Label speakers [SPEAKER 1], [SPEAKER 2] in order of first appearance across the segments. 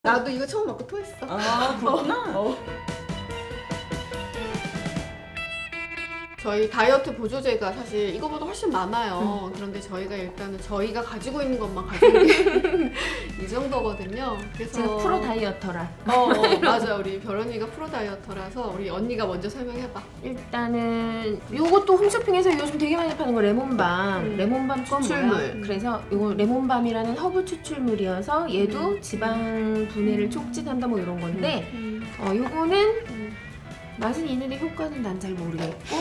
[SPEAKER 1] 나도 이거 처음 먹고 토했어.
[SPEAKER 2] 아, 그렇구나.
[SPEAKER 1] 저희 다이어트 보조제가 사실 이거보다 훨씬 많아요. 그런데 저희가 일단은 저희가 가지고 있는 것만 가지고 이 정도거든요. 그래서
[SPEAKER 3] 제가 프로 다이어터라.
[SPEAKER 1] 맞아. 우리 별언니가 프로 다이어터라서 우리 언니가 먼저 설명해봐.
[SPEAKER 3] 일단은 요것도 홈쇼핑에서 요즘 되게 많이 파는 거 레몬밤. 레몬밤
[SPEAKER 1] 그건
[SPEAKER 3] 추출물.
[SPEAKER 1] 뭐야?
[SPEAKER 3] 그래서 요거 레몬밤이라는 허브 추출물이어서 얘도 지방 분해를 촉진한다 뭐 이런 건데 요거는 맛은 있는데 효과는 난 잘 모르겠고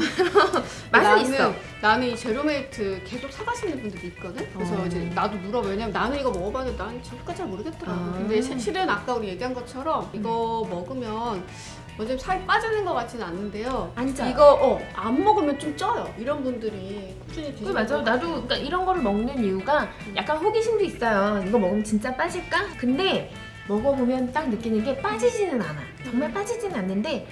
[SPEAKER 3] 맛은 있어.
[SPEAKER 1] 나는 이 제로메이트 계속 사가시는 분들이 있거든. 그래서 이제 나도 물어봐. 왜냐면 나는 이거 먹어봤는데 난 효과 잘 모르겠더라고. 근데 실은 아까 우리 얘기한 것처럼 이거 먹으면 먼저 살이 빠지는 것 같지는 않는데요.
[SPEAKER 3] 안 쪄요.
[SPEAKER 1] 이거 안 먹으면 좀 쪄요. 이런 분들이 꾸준히 드시는
[SPEAKER 3] 맞아.
[SPEAKER 1] 분.
[SPEAKER 3] 나도 그러니까 이런 거를 먹는 이유가 약간 호기심도 있어요. 이거 먹으면 진짜 빠질까? 근데 먹어보면 딱 느끼는 게 빠지지는 않아. 정말 빠지지는 않는데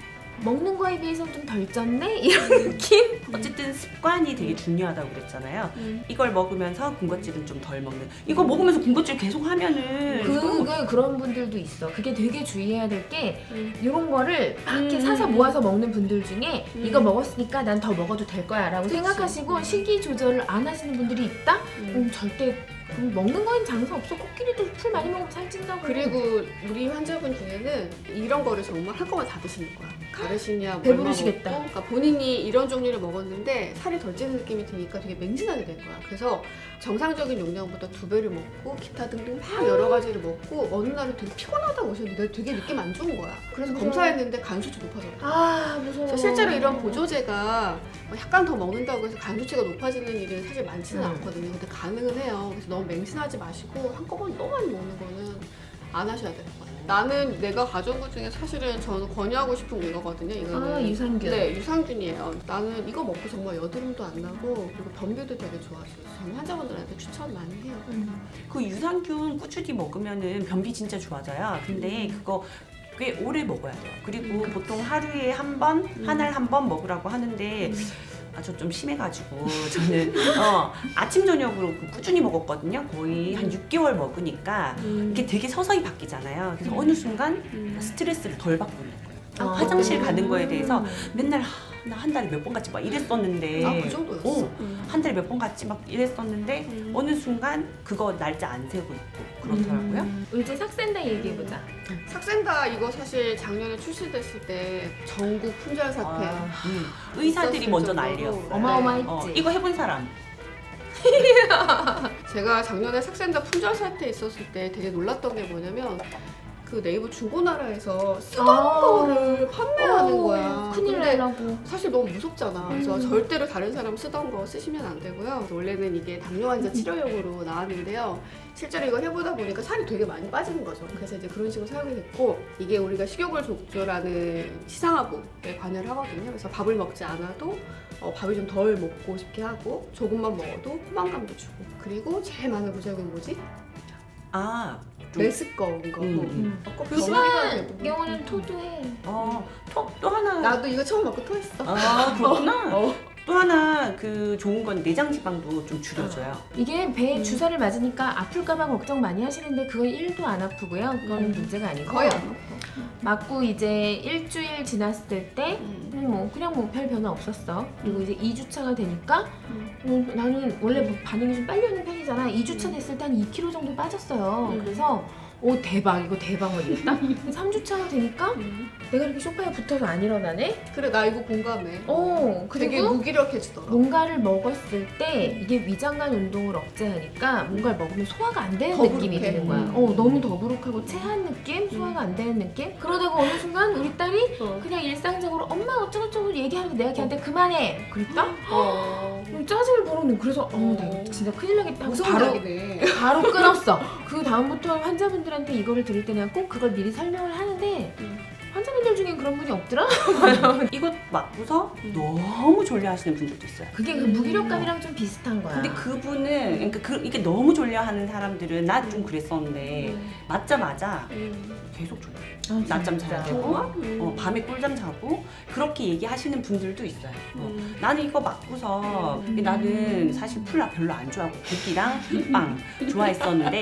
[SPEAKER 3] 먹는 거에 비해서는 좀 덜 쪘네? 이런 느낌?
[SPEAKER 2] 어쨌든 습관이 되게 중요하다고 그랬잖아요. 이걸 먹으면서 군것질은 좀 덜 먹는. 이거 먹으면서 군것질 계속 하면은
[SPEAKER 3] 그런 분들도 있어. 그게 되게 주의해야 될 게 이런 거를 막 이렇게 사서 모아서 먹는 분들 중에 이거 먹었으니까 난 더 먹어도 될 거야 라고 생각하시고 식이 조절을 안 하시는 분들이 있다? 절대 먹는 거엔 장사 없어. 코끼리도 풀 많이 먹으면 살찐다고.
[SPEAKER 1] 그리고 우리 환자분 중에는 이런 거를 정말 한꺼번에 다 드시는 거야. 가르시냐, 뭐
[SPEAKER 3] 배부르시겠다.
[SPEAKER 1] 얼마 먹고. 그러니까 본인이 이런 종류를 먹었는데 살이 덜 찌는 느낌이 드니까 되게 맹신하게 된 거야. 그래서 정상적인 용량보다 2배를 먹고 기타 등등 막 여러 가지를 먹고 어느 날은 되게 피곤하다고 오셨는데 되게 느낌 안 좋은 거야. 그래서
[SPEAKER 3] 무서워.
[SPEAKER 1] 검사했는데 간 수치 높아졌다.
[SPEAKER 3] 아 무서워.
[SPEAKER 1] 그래서 실제로 이런 보조제가 약간 더 먹는다고 해서 간 수치가 높아지는 일은 사실 많지는 않거든요. 근데 가능은 해요. 그래서 너무 맹신하지 마시고 한꺼번에 너무 많이 먹는 거는 안 하셔야 될 거예요. 나는 내가 가져온 것 중에 사실은 저는 권유하고 싶은 게 이거거든요. 이거는
[SPEAKER 3] 유산균.
[SPEAKER 1] 네, 유산균이에요. 나는 이거 먹고 정말 여드름도 안 나고 그리고 변비도 되게 좋아져요. 저는 환자분들한테 추천 많이 해요.
[SPEAKER 2] 그 유산균 꾸준히 먹으면은 변비 진짜 좋아져요. 근데 그거 꽤 오래 먹어야 돼요. 그리고 보통 하루에 한 번, 한 알 한 번 먹으라고 하는데 저 좀 심해가지고 저는 아침 저녁으로 꾸준히 먹었거든요. 거의 한 6개월 먹으니까 이게 되게 서서히 바뀌잖아요. 그래서 어느 순간 스트레스를 덜 받고 있는 거예요. 화장실 가는 거에 대해서 맨날 나 한 달에 몇 번 갔지 막 이랬었는데
[SPEAKER 1] 그 정도였어?
[SPEAKER 2] 한 달에 몇 번 갔지 막 이랬었는데 어느 순간 그거 날짜 안 세고 있고 그렇더라고요.
[SPEAKER 3] 이제 삭센다 얘기해보자.
[SPEAKER 1] 삭센다 이거 사실 작년에 출시됐을 때 전국 품절 사태
[SPEAKER 2] 의사들이
[SPEAKER 1] 있었을
[SPEAKER 2] 먼저
[SPEAKER 1] 정도로
[SPEAKER 2] 난리였어.
[SPEAKER 3] 어마어마했지.
[SPEAKER 2] 이거 해본 사람.
[SPEAKER 1] 제가 작년에 삭센다 품절 사태 있었을 때 되게 놀랐던 게 뭐냐면 그 네이버 중고나라에서 쓰던 거를 판매하는 거야.
[SPEAKER 3] 큰일
[SPEAKER 1] 근데
[SPEAKER 3] 나려고.
[SPEAKER 1] 사실 너무 무섭잖아. 그래서 절대로 다른 사람 쓰던 거 쓰시면 안 되고요. 그래서 원래는 이게 당뇨 환자 치료용으로 나왔는데요. 실제로 이거 해보다 보니까 살이 되게 많이 빠지는 거죠. 그래서 이제 그런 식으로 사용이 됐고 이게 우리가 식욕을 조절하는 시상하부에 관여를 하거든요. 그래서 밥을 먹지 않아도 밥을 좀 덜 먹고 싶게 하고 조금만 먹어도 포만감도 주고 그리고 제일 많은 부작용이 뭐지? 메스꺼운 거.
[SPEAKER 3] 심한 경우는 토도해.
[SPEAKER 2] 또 하나.
[SPEAKER 1] 나도 이거 처음 먹고 토했어.
[SPEAKER 2] 그렇구나. 또 하나 그 좋은 건 내장 지방도 좀 줄여줘요.
[SPEAKER 3] 이게 배에 주사를 맞으니까 아플까봐 걱정 많이 하시는데 그건 1도 안 아프고요. 그건 문제가 아니고
[SPEAKER 1] 거의 안 아파.
[SPEAKER 3] 맞고 이제 일주일 지났을 때 그냥 뭐 별 변화 없었어. 그리고 이제 2주차가 되니까 나는 원래 뭐 반응이 좀 빨리 오는 편이잖아. 2주차 됐을 때 한 2kg 정도 빠졌어요. 그래서 대박 이거 대박 이랬다. 3주차가 되니까 내가 이렇게 소파에 붙어서 안 일어나네.
[SPEAKER 1] 그래 나 이거 공감해. 되게
[SPEAKER 3] 그리고
[SPEAKER 1] 무기력해지더라.
[SPEAKER 3] 뭔가를 먹었을 때 이게 위장관 운동을 억제하니까 뭔가를 먹으면 소화가 안 되는
[SPEAKER 1] 더부룩해.
[SPEAKER 3] 느낌이 드는 거야. 너무 더부룩하고 체한 느낌, 소화가 안 되는 느낌. 그러다가 어느 순간 우리 딸이 그냥 일상적으로 엄마 어쩌고저쩌고 얘기하는데 내가 걔한테 그만해 그랬다? 짜증을 부르는. 그래서 나 이거 진짜 큰일 나겠다 하고
[SPEAKER 1] 무서운 약이네.
[SPEAKER 3] 바로 끊었어. 그 다음부터 환자분들한테 이거를 드릴 때 내가 꼭 그걸 미리 설명을 하는데 환자분들 중엔 그런 분이 없더라?
[SPEAKER 2] 이거 맞고서 너무 졸려하시는 분들도 있어요.
[SPEAKER 3] 그게 그 무기력감이랑 좀 비슷한 거야.
[SPEAKER 2] 근데 그분은 그러니까 이게 너무 졸려하는 사람들은 나 좀 그랬었는데 맞자마자 계속 졸려. 낮잠 자야 되고 밤에 꿀잠 자고 그렇게 얘기하시는 분들도 있어요. 나는 이거 맞고서 나는 사실 풀 별로 안 좋아하고 고기랑 빵 좋아했었는데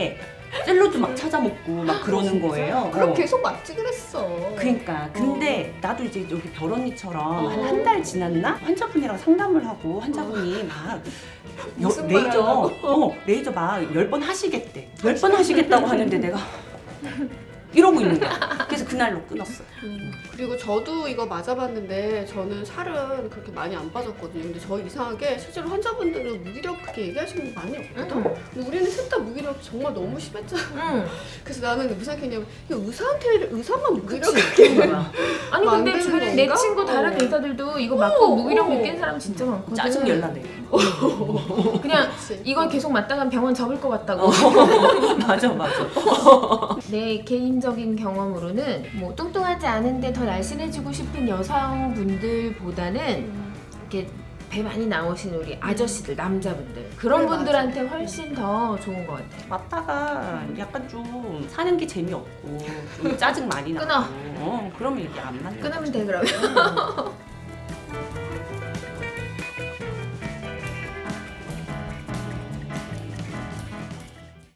[SPEAKER 2] 샐러드 막 찾아 먹고 막 그러는 거예요.
[SPEAKER 1] 그럼
[SPEAKER 2] 어.
[SPEAKER 1] 계속 맞지 그랬어.
[SPEAKER 2] 그러니까 근데 나도 이제 여기 별언니처럼
[SPEAKER 1] 어.
[SPEAKER 2] 한 달 지났나 환자분이랑 상담을 하고 환자분이 막
[SPEAKER 1] 무슨 말 하려고?
[SPEAKER 2] 레이저 막 10번 하시겠대. 10번 하시겠다고 하는데 내가 이러고 있는 거야. 그래서 그날로 끊었어요.
[SPEAKER 1] 그리고 저도 이거 맞아봤는데 저는 살은 그렇게 많이 안 빠졌거든요. 근데 저 이상하게 실제로 환자분들은 무기력 그렇게 얘기하시는 분 많이 없거든. 근데 우리는 셋 다 무기력 정말 너무 심했잖아. 그래서 나는 무슨 생각했냐면 이거 의사만 무기력하게
[SPEAKER 3] 아니 근데
[SPEAKER 1] 만드는
[SPEAKER 3] 주변에 내
[SPEAKER 1] 건가?
[SPEAKER 3] 친구 다른 의사들도 이거 맞고 무기력 느끼는 사람 진짜 많거든.
[SPEAKER 2] 짜증 열나네.
[SPEAKER 3] 그냥
[SPEAKER 1] 그치.
[SPEAKER 3] 이건 계속 맞다간 병원 접을 것 같다고.
[SPEAKER 2] 맞아 맞아.
[SPEAKER 3] 내 개인적인 경험으로는 뭐 뚱뚱하지 않은데 더 날씬해지고 싶은 여성분들보다는 이렇게 배 많이 나오신 우리 아저씨들, 남자분들 그런
[SPEAKER 1] 그래,
[SPEAKER 3] 분들한테 훨씬 더 좋은 것 같아.
[SPEAKER 2] 맞다가 약간 좀 사는 게 재미없고 좀 짜증 많이 나고
[SPEAKER 3] 끊어.
[SPEAKER 2] 그러면 이게 안 맞는
[SPEAKER 3] 끊으면
[SPEAKER 2] 거죠.
[SPEAKER 3] 돼 그러면.